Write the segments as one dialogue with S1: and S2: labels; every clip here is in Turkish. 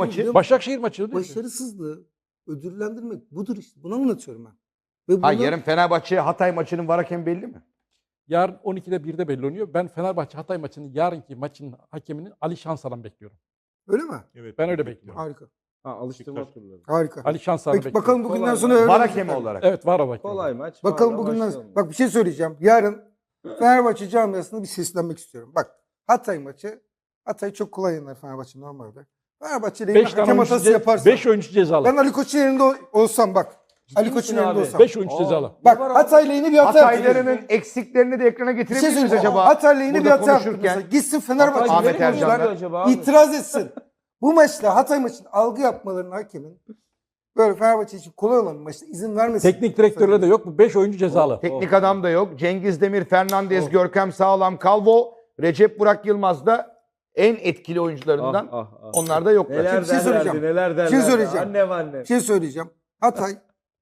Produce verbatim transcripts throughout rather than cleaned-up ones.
S1: maçı.
S2: Başakşehir maçı. değil mi?
S3: Başarısızlığı ödüllendirmek budur işte. Bunu anlatıyorum ben. Ve
S1: Ha,
S3: bunu-
S1: yarın Fenerbahçe Hatay maçının var hakemi belli mi?
S2: Yarın on ikide birde belli oluyor. Ben Fenerbahçe Hatay maçının yarınki maçın hakemini Ali Şansalan bekliyorum.
S3: Öyle mi?
S4: Evet.
S2: Ben öyle bekliyorum.
S3: Harika.
S5: Ha, alıştırma turları.
S3: Harika.
S2: Ali Şansalan'ı
S3: Peki
S2: bekliyorum.
S3: bakalım bugünden
S5: Kolay
S3: sonra
S5: mı?
S3: öyle
S1: Var
S3: olacak
S1: hakemi
S3: mı?
S1: olarak.
S2: Evet, var o bakıyorum.
S5: Kolay maç.
S3: Bakalım
S5: Vallahi
S3: bugünden
S5: başlayalım.
S3: Bak bir şey söyleyeceğim. Yarın Fenerbahçe camiasına bir seslenmek istiyorum. Bak Hatay maçı. Hatay çok kolay yener Fenerbahçe normalde. Fenerbahçe ile
S2: beş
S3: hakem
S2: tane oyuncu,
S3: hatası
S2: ce-
S3: yaparsa.
S2: beş oyuncu cezalı.
S3: Ben Ali Koç'un yerinde ol- olsam bak. Ali
S5: misin
S3: Koç'un yerinde
S5: abi?
S3: olsam.
S2: beş oyuncu
S5: Aa.
S2: cezalı.
S3: Bak
S5: Ne var abi?
S3: Hatay'la yeni bir hata yaptı.
S1: Hataylarının eksiklerini de ekrana
S3: Bir şey
S1: getirebilir miyiz
S3: söyleyeceğim.
S1: acaba?
S3: Hatay'la yeni bir
S1: Burada
S3: hata yaptı.
S1: konuşurken
S3: mesela. Gitsin Fenerbahçe
S1: Ahmet
S3: futbolcular
S1: Ercan'dan.
S5: acaba abi?
S3: itiraz etsin. Bu maçta Hatay maçının algı yapmalarının hakemin böyle Fenerbahçe için kolay olan bir maçta izin vermesin.
S2: Teknik direktörleri de yok. Bu beş oyuncu cezalı.
S1: Teknik adam da yok. Cengiz Demir, Fernandez, Görkem Sağlam, Calvo, Recep Burak Yılmaz da en etkili oyuncularından.
S5: Ah, ah, ah.
S1: Onlar da yoklar.
S5: Neler
S3: Bir şey
S5: derlerdi,
S3: söyleyeceğim.
S5: neler derlerdi.
S3: Bir şey söyleyeceğim.
S5: Annem anne.
S3: Bir şey söyleyeceğim. Hatay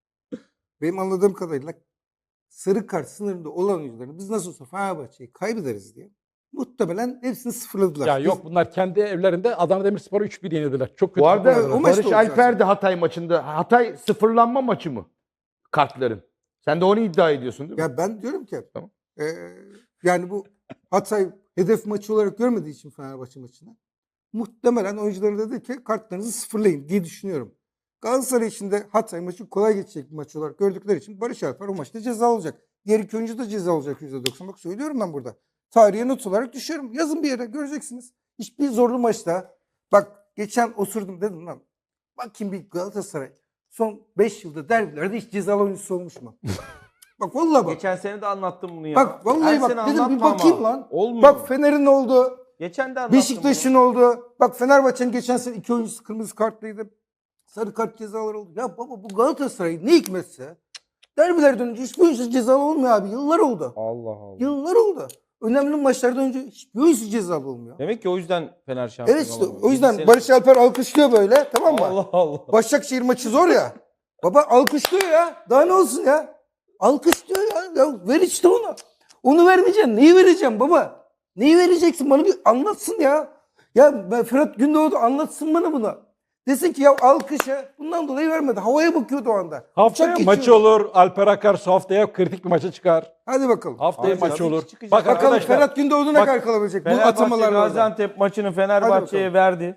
S3: benim anladığım kadarıyla sarı kart sınırında olan oyuncuların biz nasıl olsa Fenerbahçe'yi kaybederiz diye muhtemelen hepsini sıfırladılar.
S2: Ya
S3: Biz-
S2: yok, bunlar kendi evlerinde Adana Demirspor'u üç bir yenildiler. Çok kötü.
S1: Bu arada
S2: futbol oynadılar.
S3: o maç da
S1: Barış
S3: olacak
S1: Alper de Hatay maçında. Hatay sıfırlanma maçı mı? Kartların. Sen de onu iddia ediyorsun değil mi?
S3: Ya ben diyorum ki
S1: Tamam.
S3: e, yani bu Hatay hedef maçı olarak görmediği için Fenerbahçe maçını muhtemelen oyuncuları dedi ki kartlarınızı sıfırlayın diye düşünüyorum. Galatasaray için de Hatay maçı kolay geçecek bir maç olarak gördükleri için Barış Alper o maçta ceza alacak. Diğer iki oyuncu da ceza alacak yüzde doksan. Bak söylüyorum ben burada. Tarihe not olarak düşüyorum. Yazın bir yere göreceksiniz. Hiçbir zorlu maçta bak geçen osurdum dedim lan. Bakayım bir Galatasaray son beş yılda derbilerde hiç cezalı oyuncusu olmuş mu? Bak vallahi bak.
S5: Geçen sene de anlattım bunu ya.
S3: Bak vallahi
S5: Her
S3: bak
S5: sene
S3: dedim bir
S5: anlatma
S3: bakayım
S5: ama.
S3: lan.
S5: Olmuyor.
S3: Bak Fener'in oldu.
S5: Geçen de anlattım
S3: Beşiktaş'ın oldu. Bak Fenerbahçe'nin geçen sene iki oyuncusu kırmızı kartlıydı. Sarı kart cezaları oldu. Ya baba bu Galatasaray ne hikmetse derbilerden önce hiçbir oyuncu cezalı olmuyor abi. Yıllar oldu.
S5: bunu. Allah Allah.
S3: Yıllar oldu. Önemli maçlardan önce hiçbir oyuncu cezalı olmuyor.
S5: Demek ki o yüzden Fener şampiyon
S3: Evet işte
S5: olamıyor.
S3: o yüzden
S5: Yedi
S3: Barış
S5: sene-
S3: Alper alkışlıyor böyle, tamam mı?
S5: Allah Allah.
S3: Başakşehir maçı zor ya. Baba alkışlıyor ya. Daha ne olsun ya? Alkışlıyor ya. Ya ver işte onu. Onu vermeyeceksin. Neyi vereceğim baba? Neyi vereceksin? Bana bir anlatsın ya. Ya ben Fırat Gündoğdu anlatsın bana bunu. Desin ki ya alkışa bundan dolayı vermedi. Havaya bakıyordu o anda.
S2: Haftaya
S3: Uçak
S2: maçı
S3: geçiyordu.
S2: olur. Alper Akarsu haftaya kritik bir maça çıkar.
S3: Hadi bakalım.
S2: Haftaya
S5: Abi,
S2: maçı
S5: tabii
S2: olur.
S5: ki çıkacak.
S2: Bak
S3: Bakalım
S2: arkadaşlar.
S3: Ferhat Gündoğdu ne
S2: bak-
S3: kadar kalabilecek bu
S5: Fenerbahçe
S3: atamalarla.
S5: Gaziantep maçını Fenerbahçe'ye
S3: Hadi
S5: verdi.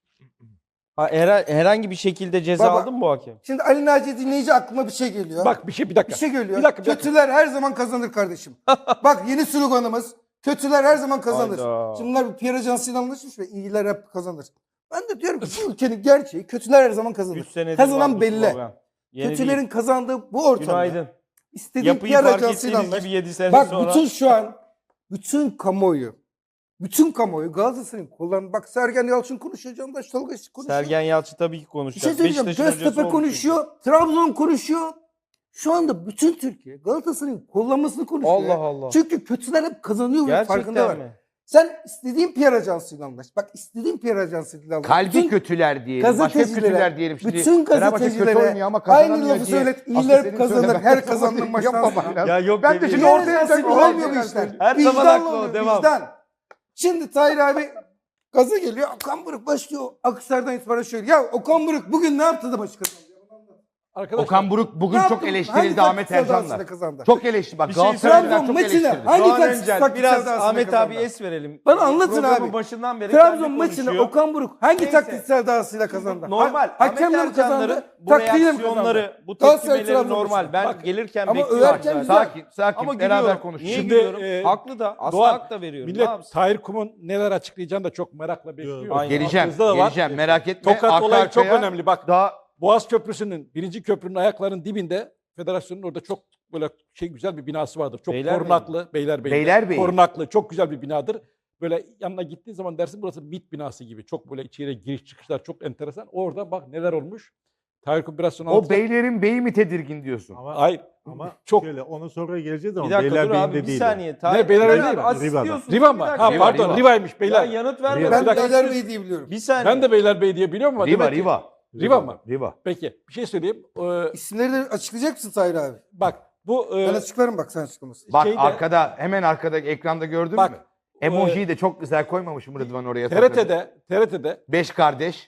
S5: Ha, her- herhangi bir şekilde ceza
S3: Baba.
S5: aldı mı bu hakem?
S3: Şimdi Ali Naci dinleyici aklıma bir şey geliyor.
S2: Bak bir şey bir dakika.
S3: Bir şey geliyor.
S2: Bir dakika, bir dakika.
S3: Kötüler her zaman kazanır kardeşim. Bak yeni sloganımız. Kötüler her zaman kazanır.
S5: Hayda.
S3: Şimdi bunlar bir Pierre Ajansı'yla anlaşmış ve iyiler hep kazanır. Ben de diyorum ki bu ülkenin gerçeği kötüler her zaman kazanır.
S5: üç senedir var
S3: Kazanan
S5: bu
S3: belli.
S5: slogan. Yeni
S3: Kötülerin
S5: değil.
S3: kazandığı bu ortamda.
S5: Günaydın.
S3: İstediğin
S5: Yapıyı
S3: Pierre
S5: fark
S3: Ajansı'yla
S5: ettiğiniz
S3: anlaş.
S5: gibi yedi sene
S3: Bak
S5: sonra.
S3: bütün şu an bütün kamuoyu bütün kamuoyu Galatasaray'ın kollarını bak Sergen Yalçın konuşuyor, Candaş Tolga konuşuyor.
S5: Sergen Yalçın tabii ki
S3: Bir
S5: konuşacak.
S3: şey söyleyeceğim.
S5: Beşiktaş'ın hocası
S3: Göztepe
S5: olmuş
S3: konuşuyor. Trabzon konuşuyor. Şu anda bütün Türkiye Galatasaray'ın kollanmasını konuşuyor.
S5: Allah
S3: ya.
S5: Allah.
S3: Çünkü kötüler hep kazanıyor ve
S5: Gerçekten
S3: farkında var.
S5: mi?
S3: Sen istediğin Pierre Ajansı'yla anlaş. Bak istediğin Pierre Ajansı'yla anlaş.
S1: Kalbi
S3: Bütün
S1: kötüler diyelim. Başka
S3: gazetecilere,
S1: kötüler diyelim. Şimdi
S3: bütün
S1: Fenerbahçe kötü
S3: gazetecilere
S1: oynuyor ama kazanamıyor
S3: aynı lafı
S1: diye.
S3: söylet.
S1: Aslında
S3: İyiler
S1: senin
S3: kazanır.
S1: söylemen
S3: Her
S1: lazım.
S3: kazandığın maçtan
S1: Yapma
S3: sonra.
S1: bana.
S5: Ya yok
S1: Ben de
S5: bebeğim.
S1: şimdi
S3: Pierre
S1: ortaya
S3: Ajansı'yla
S1: takıyorum.
S3: olmuyor bu işler.
S5: Her zaman
S3: Vicdanla
S5: haklı o,
S3: oluyor,
S5: devam.
S3: vicdan. Şimdi Tahir abi gaza geliyor. Okan Buruk başlıyor. Akhisar'dan itibaren şöyle. Ya Okan Buruk bugün ne yaptı da maçı kazandı?
S2: Arkadaşlar.
S1: Okan Buruk bugün
S3: Ne
S1: çok
S3: yaptı?
S1: eleştirildi
S3: Hangi
S1: Ahmet
S3: taktiksel
S1: Ercan'la.
S3: dahasıyla kazandı?
S1: Çok eleştirdi. Bak
S5: Bir şey
S1: Galatasaraylılar
S3: Trabzon
S1: çok
S3: maçını
S1: eleştirdi.
S3: hangi
S5: Doğan
S3: taktik-
S5: Öncel
S3: taktiksel
S5: biraz
S3: dahasıyla
S5: Ahmet
S3: kazandı?
S5: abi es verelim.
S3: Bana anlatın
S5: Programın
S3: abi.
S5: başından beri
S3: Trabzon
S5: kendi
S3: maçını
S5: konuşuyor.
S3: Okan Buruk hangi
S5: Neyse.
S3: taktiksel dahasıyla kazandı?
S5: Normal.
S3: Ha- Hakemle mi
S5: Ahmet Ercanları,
S3: kazandı?
S5: bu
S3: Taktiğiyle mi kazandı?
S5: reaksiyonları, bu
S3: Galatasaray
S5: tepkimeleri
S3: Trabzon
S5: normal.
S3: maçı.
S5: Ben
S2: Bak,
S5: gelirken
S3: ama
S5: bekliyorum.
S3: överken
S5: zaten.
S3: güzel.
S1: Sakin, sakin.
S5: Ama
S1: Beraber
S5: gülüyorum.
S1: konuşalım.
S5: Niye
S2: Şimdi,
S5: gülüyorum?
S2: e,
S5: Haklı da. Asla
S2: Doğan,
S5: hak da veriyorum.
S2: Millet
S5: Ne yapsın?
S2: Tahir Kum'un neler açıklayacağını da çok merakla bekliyor.
S5: Aynen.
S1: Geleceğim,
S2: Aklınızda da var.
S1: geleceğim. Merak etme.
S2: Tokat
S1: Arka
S2: olayı çok
S1: arkaya
S2: önemli. Bak
S1: Daha
S2: Boğaz Köprüsü'nün birinci köprünün ayaklarının dibinde federasyonun orada çok böyle şey güzel bir binası vardır. Çok
S5: Beylerbeyi.
S2: korunaklı. Beylerbeyi.
S1: Beylerbeyi.
S2: Korunaklı. Çok güzel bir binadır. Böyle yanına gittiğin zaman dersin burası MİT binası gibi. Çok böyle içeriye giriş çıkışlar çok enteresan. Orada bak neler olmuş. Tahir Kum biraz sonra
S1: o
S2: anlatacak.
S1: beylerin beyi mi tedirgin diyorsun?
S4: Ama,
S2: Hayır.
S4: ama
S2: Çok-
S4: şöyle ona sonra geleceğiz ama
S5: Bir dakika dur
S4: Beylerbeyi'nde
S5: abi bir
S4: değil.
S5: saniye.
S2: Ne,
S5: Tahir
S2: Beylerbeyi
S5: Bey
S2: değil mi?
S5: asist
S4: Riva'da.
S5: diyorsunuz.
S2: Riva
S5: Bir
S2: mı?
S5: dakika
S2: Ha
S5: ya.
S1: Riva,
S2: pardon.
S1: Riva.
S2: Riva'ymış
S5: Ya
S2: beyler.
S5: yanıt verme.
S1: Riva.
S3: Ben
S2: Bir dakika.
S3: Beylerbeyi diye biliyorum.
S5: Bir saniye.
S2: Ben de Beylerbeyi diye biliyorum ama
S1: Riva,
S2: demek ki-
S1: Riva.
S2: Riva mı?
S1: Riva.
S2: Peki bir şey söyleyeyim. Ee,
S3: İsimleri de açıklayacak mısın Tahir abi?
S2: bak bu e,
S3: Ben açıklarım bak sen açıklamasın.
S1: Bak
S2: Şeyde-
S1: arkada, hemen arkadaki ekranda gördün
S2: Bak,
S1: mü? Emojiyi de çok güzel koymamışım Rıdvan oraya.
S2: T R T'de T R T'de
S1: Beş kardeş.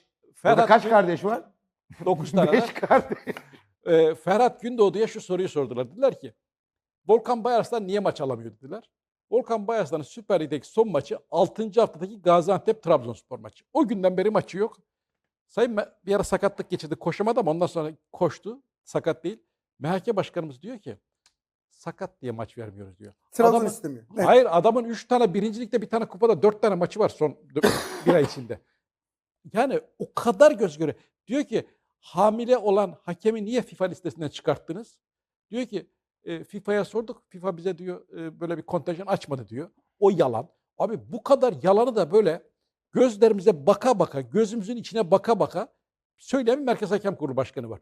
S1: Orada kaç
S2: Gün-
S1: kardeş var?
S2: dokuz tane.
S1: Beş
S2: var.
S1: kardeş.
S2: Ee, Ferhat Gündoğdu'ya şu soruyu sordular. Dediler ki Volkan Bayarslan niye maç alamıyor dediler. Volkan Bayarslan'ın Süper Lig'deki son maçı altıncı haftadaki Gaziantep-Trabzonspor maçı. O günden beri maçı yok. Sayın Me- bir ara sakatlık geçirdi. Koşamadı ama ondan sonra koştu. Sakat değil. M H K Başkanımız diyor ki sakat diye maç vermiyoruz diyor.
S3: Trabzon
S2: Adamın-
S3: istemiyor. Evet.
S2: Hayır adamın üç tane birincilikte bir tane kupada dört tane maçı var son dö- bir ay içinde. Yani o kadar göz göre. Diyor ki hamile olan hakemi niye FIFA listesinden çıkarttınız? Diyor ki e, FIFA'ya sorduk. FIFA bize diyor e, böyle bir kontenjan açmadı diyor. O yalan. Abi bu kadar yalanı da böyle gözlerimize baka baka, gözümüzün içine baka baka söyleyen bir Merkez Hakem Kurulu Başkanı var.